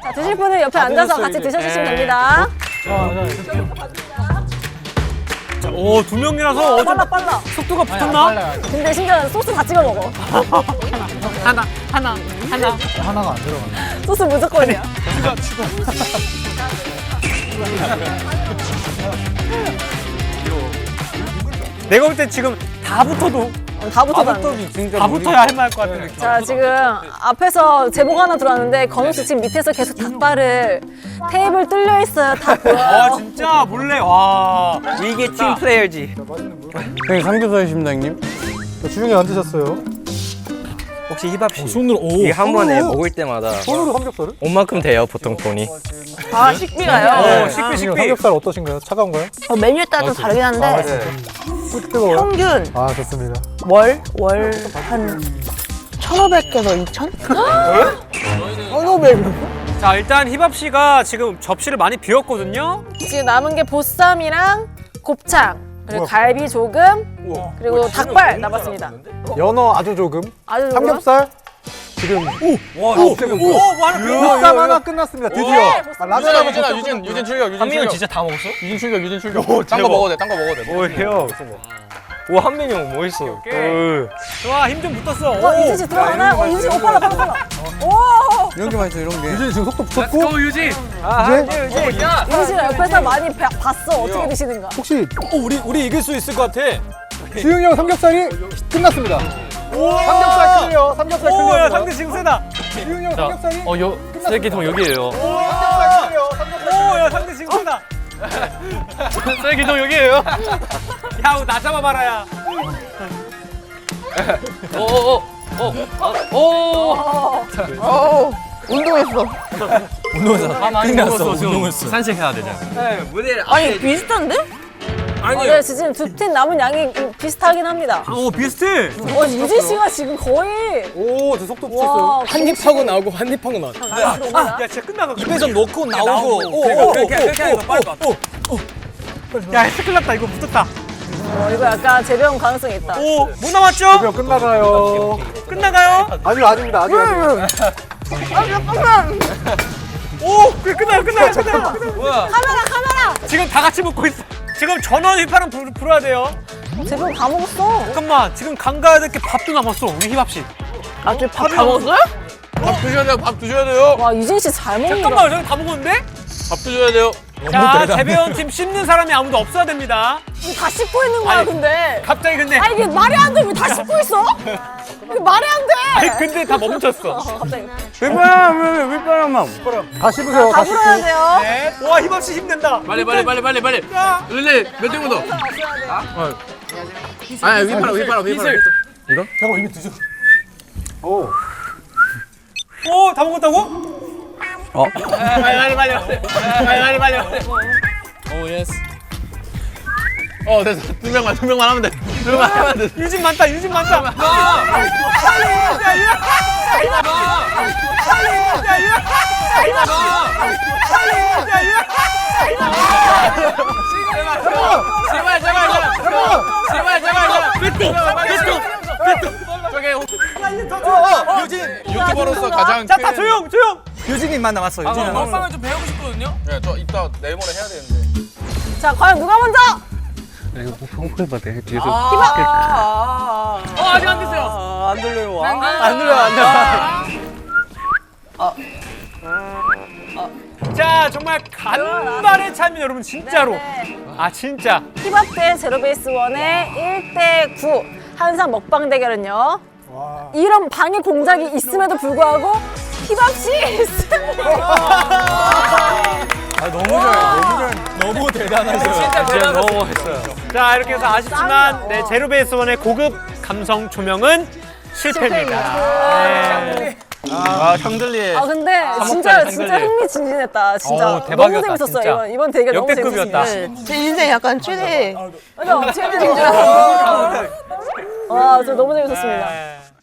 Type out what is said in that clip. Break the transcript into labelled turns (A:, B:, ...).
A: 자, 드실 분은 옆에 앉아서 같이 드셔주시면 됩니다.
B: 자, 오, 2명이라서
A: 빨라.
B: 속도가 붙었나?
A: 근데 심지어 소스 다 찍어 먹어.
B: 하나.
C: 하나가 안 들어가네.
A: 소스 무조건이야.
B: 내가 볼 때 지금 다 붙어도
A: 다 붙어가는데.
B: 다 붙어야 할 말 것 같은 느낌.
A: 자, 지금 앞에서 제보가 하나 들어왔는데 건우 씨 지금 밑에서 계속 닭발을 테이블 뚫려 있어요. 다 보여요.
B: 아, 진짜 몰래. 와.
D: 이게 팀 플레이어지.
C: 형님 삼겹살이십니다 형님. 주중에 안 드셨어요?
D: 혹시 힙합씨
C: 손으로
D: 이게 한 번에 먹을 때마다
C: 손으로 삼겹살을?
D: 옷만큼 돼요 보통 돈이.
E: 아, 식비가요?
B: 식비.
C: 삼겹살 어떠신가요? 차가운가요?
E: 메뉴에 따라 좀 다르긴 한데
C: 뜨거워요?
E: 평균
C: 아 좋습니다.
E: 월 한 1,500에서 2,000? 1,500.
B: 자, 일단 희밥 씨가 지금 접시를 많이 비웠거든요.
A: 지금 남은 게 보쌈이랑 곱창, 그리고 갈비 조금, 그리고 닭발 남았습니다.
C: 연어 아주 조금.
A: 아주 조금.
C: 삼겹살 지금 보쌈 하나 끝났습니다. 드디어. 라면 하나
F: 유진 출격.
D: 한민영 진짜 다 먹었어?
F: 유진 출격. 딴 거 먹어도 돼.
D: 오 형. 오 한민영 뭐 있어?
B: 좋아, 힘 좀 붙었어.
A: 유진 씨 들어가나? 유진 씨 빨라. 오!
C: 이런 게 맛있어 이런 게. 유진 지금 속도 붙였고.
B: 유진.
C: 이제
A: 유진 씨가 옆에서 많이 봤어. 어떻게 드시는가.
C: 혹시
B: 우리 이길 수 있을 것 같아.
C: 지웅이 형 삼겹살이 끝났습니다. 삼겹살 클리어. 삼겹살
B: 오, 야,
C: 클리어.
B: 상대 지금 세다.
C: 지웅이 형 삼겹살이
D: 쓰레기통 여기에요.
C: 삼겹살 클리어.
B: 오, 야, 상대 지금 세다.
D: 쓰레기통 여기에요.
B: 야, 나 잡아봐라, 야.
E: 운동했어.
D: 운동했어. 산책해야 되잖아.
E: 아니, 비슷한데?
A: 네, 지금 두 팀 남은 양이 비슷하긴 합니다.
B: 오, 비슷해.
A: 유진 씨가 지금 거의.
C: 오, 저 속도 붙였어요.
A: 와,
F: 한입하고 나오고 한입하고 나와.
A: 들어옵니다.
B: 야, 진짜 끝나가.
F: 입에서 넣고 나오고.
B: 그렇게 하니까 빨리 봐. 야, 큰일 났다. 이거 붙었다.
A: 이거 약간 재배용 가능성이 있다.
B: 오, 뭐 남았죠?
C: 드디어 끝나가요.
B: 끝나가요?
C: 아니요 아닙니다. 아직 아닙니다.
B: 오, 끝나요.
A: 카메라!
B: 지금 다 같이 먹고 있어. 지금 전원 휘파람 불어야 돼요.
A: 재배용 다 먹었어.
B: 잠깐만, 지금 강 가야 될 게 밥도 남았어. 우리 희밥 씨.
E: 아, 밥 다 먹었어요?
F: 밥 드셔야 돼요.
A: 와, 유진 씨 잘 먹는다.
B: 잠깐만, 저기 다 먹었는데?
F: 밥 드셔야 돼요.
B: 자, 재배원 팀 씹는 사람이 아무도 없어야 됩니다.
A: 이거 다 씹고 있는 거야,
B: 아니,
A: 근데.
B: 갑자기 근데.
A: 아, 이게 말이 안 돼. 왜 다 씹고 있어? 이게 말이 안 돼.
B: 아니, 근데 다 멈췄어.
A: 갑자기.
D: 윗바람만.
C: 다 씹으세요.
A: 다 불어야 돼요.
B: 네. 와, 희밥 씨 힘낸다.
F: 빨리. 릴레이 몇 등부터? 아니 휘파람.
C: 형 이미 드셨어. 오.
B: 오, 다 먹었다고? 빨리.
F: 오 예스. 됐어. 두 명만 하면 돼.
B: 유진 많다.
F: 유진 유튜버로서 가장
B: 자, 다 조용.
D: 유진이만 남았어. 유진이 남았어.
F: 먹방을 좀 배우고 싶거든요. 네, 저 이따 내일 모레 해야 되는데.
A: 자, 과연 누가 먼저?
B: 아직 안 됐어요.
D: 안 들려요.
B: 안 들려. 자, 정말 간발의 차이입니다, 여러분. 진짜로.
A: 네.
B: 아, 진짜.
A: 힙합 대 제로베이스 원의 1대9 한상 먹방 대결은요. 이런 방해 공작이 있음에도 불구하고 힙합 씨 승리!
D: 너무 대단하셔요.
B: 진짜 너무 했어요. 자, 이렇게 해서 아쉽지만 네, 제로베이스 원의 고급 감성 조명은 실패입니다. 네.
D: 형들리의
A: 근데 진짜 흥미진진했다. 진짜
B: 어우, 대박이었다,
A: 너무 재밌었어.
B: 진짜.
A: 이번 대결 너무
B: 역대급이었다.
A: 재밌었어요.
E: 제 인생 약간 최대.
A: 맞아, 최대 와, 저 너무 재밌었습니다.